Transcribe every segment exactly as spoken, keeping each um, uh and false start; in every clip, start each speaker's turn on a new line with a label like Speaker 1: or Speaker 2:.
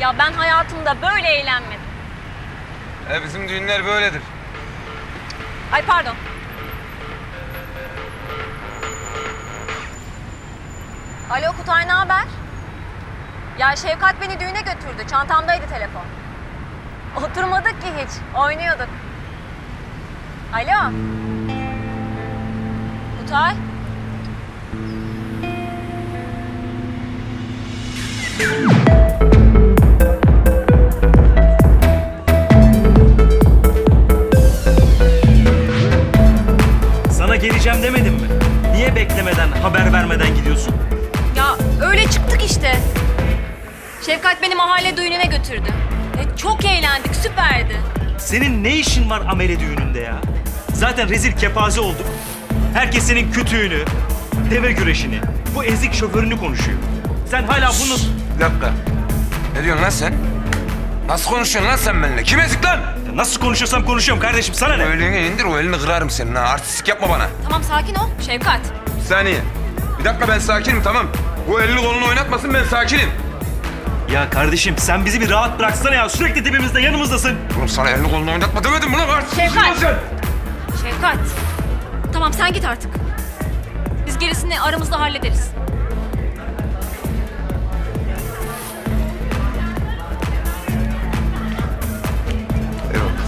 Speaker 1: Ya ben hayatımda böyle eğlenmedim.
Speaker 2: E bizim düğünler böyledir.
Speaker 1: Ay pardon. Alo Kutay, ne haber? Ya Şevkat beni düğüne götürdü. Çantamdaydı telefon. Oturmadık ki hiç. Oynuyorduk. Alo. Kutay.
Speaker 3: Sana geleceğim demedim mi? Niye beklemeden, haber vermeden gidiyorsun?
Speaker 1: Ya öyle çıktık işte. Şevkat beni mahalle düğününe götürdü. E, çok eğlendik, süperdi.
Speaker 3: Senin ne işin var amele düğününde ya? Zaten rezil kepaze olduk. Herkes senin kütüğünü, deve güreşini, bu ezik şoförünü konuşuyor. Sen hala bunu...
Speaker 2: Bir dakika. Ne diyorsun lan sen? Nasıl konuşuyorsun lan sen benimle? Kim ezik lan?
Speaker 3: Ya nasıl konuşuyorsam konuşuyorum kardeşim, sana
Speaker 2: O
Speaker 3: ne?
Speaker 2: elini indir, o elini kırarım senin ha. Artistik yapma bana.
Speaker 1: Tamam sakin ol Şevkat.
Speaker 2: Bir saniye. Bir dakika, ben sakinim, tamam. Bu elini kolunu oynatmasın, ben sakinim.
Speaker 3: Ya kardeşim sen bizi bir rahat bıraksana ya. Sürekli dibimizde, yanımızdasın.
Speaker 2: Oğlum sana elini kolunu oynatma demedim mi lan? Artistik
Speaker 1: Şevkat!
Speaker 2: lan sen.
Speaker 1: Şevkat. Tamam sen git artık. Biz gerisini aramızda hallederiz.
Speaker 2: Eyvallah.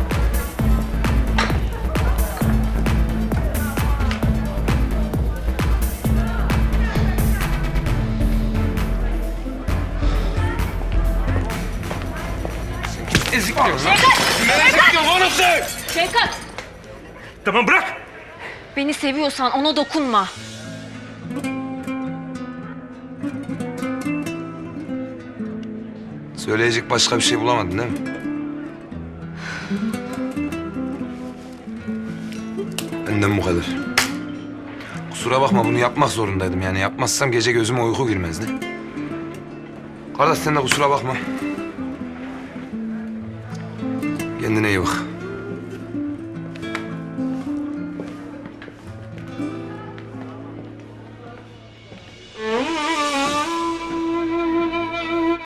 Speaker 2: Ezik diyorsun lan.
Speaker 1: Şevkat!
Speaker 2: Ne ezik diyorsun oğlum sen?
Speaker 1: Şevkat!
Speaker 3: Tamam bırak.
Speaker 1: Beni seviyorsan ona dokunma.
Speaker 2: Söyleyecek başka bir şey bulamadın değil mi? Benden bu kadar. Kusura bakma, bunu yapmak zorundaydım yani. Yapmazsam gece gözüme uyku girmezdi. Kardeş sen de kusura bakma. Kendine iyi bak.